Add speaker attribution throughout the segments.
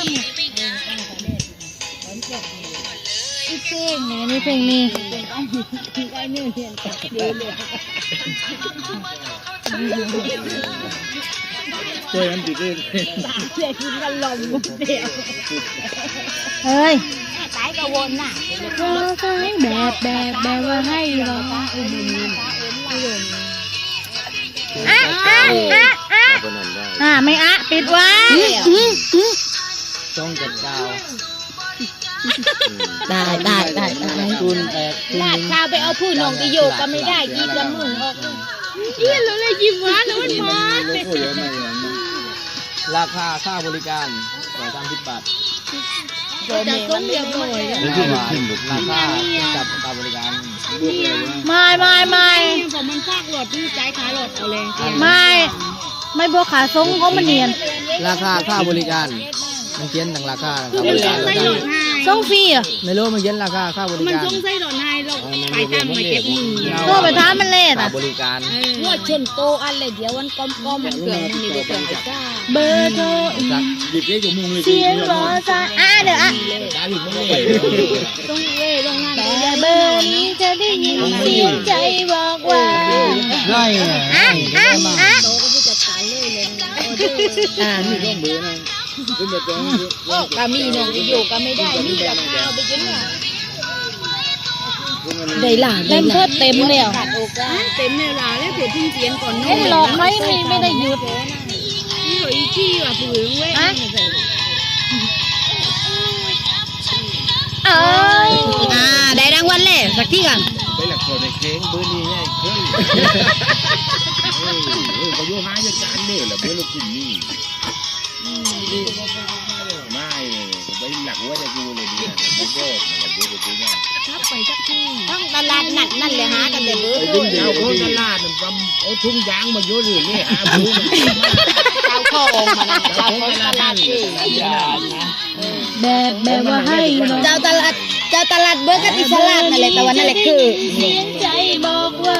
Speaker 1: เพลงนี่เพลงนี้
Speaker 2: ช่วยกันติดเอง
Speaker 1: เฮ้ย
Speaker 3: ตายก็วนน่ะ
Speaker 1: ก็ใช้แบบว่าให้เราไม่ปิดไว้
Speaker 2: ต้องจัดกาว
Speaker 1: ได้
Speaker 2: ทุนแตก
Speaker 3: ลาดข้าวไปเอาผู้นองไปโยกก็ไม่ได้ยิบละมึงออก
Speaker 1: เราเลยยิ้มหวานแล้วมันมา
Speaker 2: ราคาค่าบริการ30 บาท
Speaker 3: จะต้องเรียบร้อย
Speaker 2: ราคากับการบริการ
Speaker 1: ไม่
Speaker 3: ผมมันซากรถที่ใจขารถเอาเลย
Speaker 1: ไม่บัวขาทรงเขามันเนียน
Speaker 2: ราคาค่าบริการมันเขียนต่างราคาครับบริการ
Speaker 1: ทรงฟรีอ่ะ
Speaker 2: ไม่รู้มันเขียนราคาค่าบริการมัน
Speaker 3: ต้องใส่ดอนไฮเราไปตามมาเก็บมือ
Speaker 1: ตัวไปท้ามันเล่อ่ะ
Speaker 2: บริการ
Speaker 3: งวดชนโตอันเลยเดี๋ยววันก้อมมันเกิดมันมีเบอร์จ้า
Speaker 1: เบอร์โทร
Speaker 2: หยิบเลขของมึงเลย
Speaker 1: เสียงรอจ้าเดี๋ยว
Speaker 3: ต้องเล่ต้องนั่น
Speaker 1: แต่เบอร์นี้จะได้ยินเสียงใจบอกว่า
Speaker 2: ได้
Speaker 3: โตก็จะตายเลย
Speaker 2: มีร่องเบอร์นะคุณแบบนี้
Speaker 3: ก็มีน้องไปอยู่ก็ไม่ได้มีราคาไปจนว่า
Speaker 1: ได้หล่ะเต็มเลย
Speaker 3: เต็มเลยล่ะแล้วเดี๋ยวทิ้งเสียงก่อน
Speaker 1: น้องหลอกไม่ได้หยุด
Speaker 3: นี่อีกี้ว่ะผืนเว้ย
Speaker 1: ได้รางวัลเลยสักที่กัน
Speaker 2: ไปหลักโทษในเค้งเบอร์นี้ไงเขาโยหาจัดการเนี่ยแหละเบอร์ลูกคุณนี่ไม่เลยไปหลักว่าจะดูเลยดีนะไม่ก็มันจะดูง่าย
Speaker 3: ถ้าไปสักที่ต้องตลาดนัดนั่นเลยหากันเลยเบอร์
Speaker 2: เอาคนตลาดมันทำเอาทุ่งยางมาโยนเลยนี่หาเบอร์
Speaker 3: เอาข้อองมาเอาคนตลาดที่
Speaker 1: แบบว่าให้
Speaker 3: เจ้าตลาดเบอร์กันอิสระนั่นแหละแต่วันนั่นแหละคือ
Speaker 1: เสียงใจบอกว่า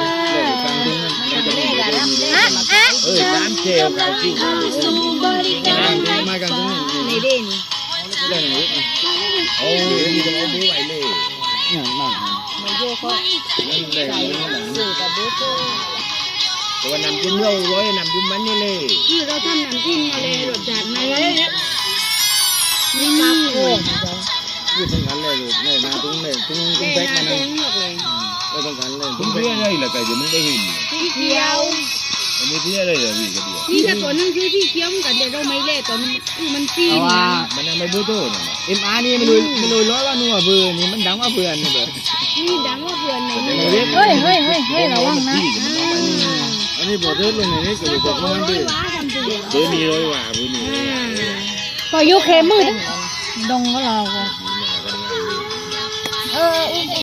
Speaker 2: ร้านเจลเราที่
Speaker 1: มากัน
Speaker 3: ในเด่น
Speaker 2: เรื่องนี้โอ้ยนี่ต้องเอามือไหวเลย
Speaker 3: ไม่โยกเขา
Speaker 2: นั่นเลย
Speaker 3: สื่อกับเบอร์
Speaker 2: แต่ว่านำจิ้มเราร้อยนำจิ้มมันนี่เลย
Speaker 3: คือเราทำน้ำจิ้มมาเลยรสจัดมาเลยไม่มีโอ้
Speaker 2: ยืดตรงกันเลยลูกเนี่ยมาตรงเลยตรงแบกมาเลยไม่ต้องกันเลยตรงเพี้ยเลยแหละแต่เดี๋ยวมึงได้เห็น
Speaker 3: ที่เที่ยว
Speaker 2: อันนี้เพี้ยเลยเหรอพี่กระเดียว
Speaker 3: นี่ถ้าตัวนั่งคือที่เที่ยวกันเดี๋ยวเราไม่เล่ตอนมันจีน
Speaker 2: ว่ามันยังไม่บูโต้เนี่ยMRนี่ไม่รู้ร้อยว่านัวเบื่อนี่มันดังว่าเบื่อนี่เบื่อ
Speaker 3: นี่ดังว่าเบื่อใน
Speaker 1: เฮ้ยระวังนะ
Speaker 2: อันนี้บอกเทิดลงในนี้ก็บอกว่ามันเบื่อมีร้อยว่าเบื่อนี่
Speaker 1: พอยุเคมืดดงก็เรา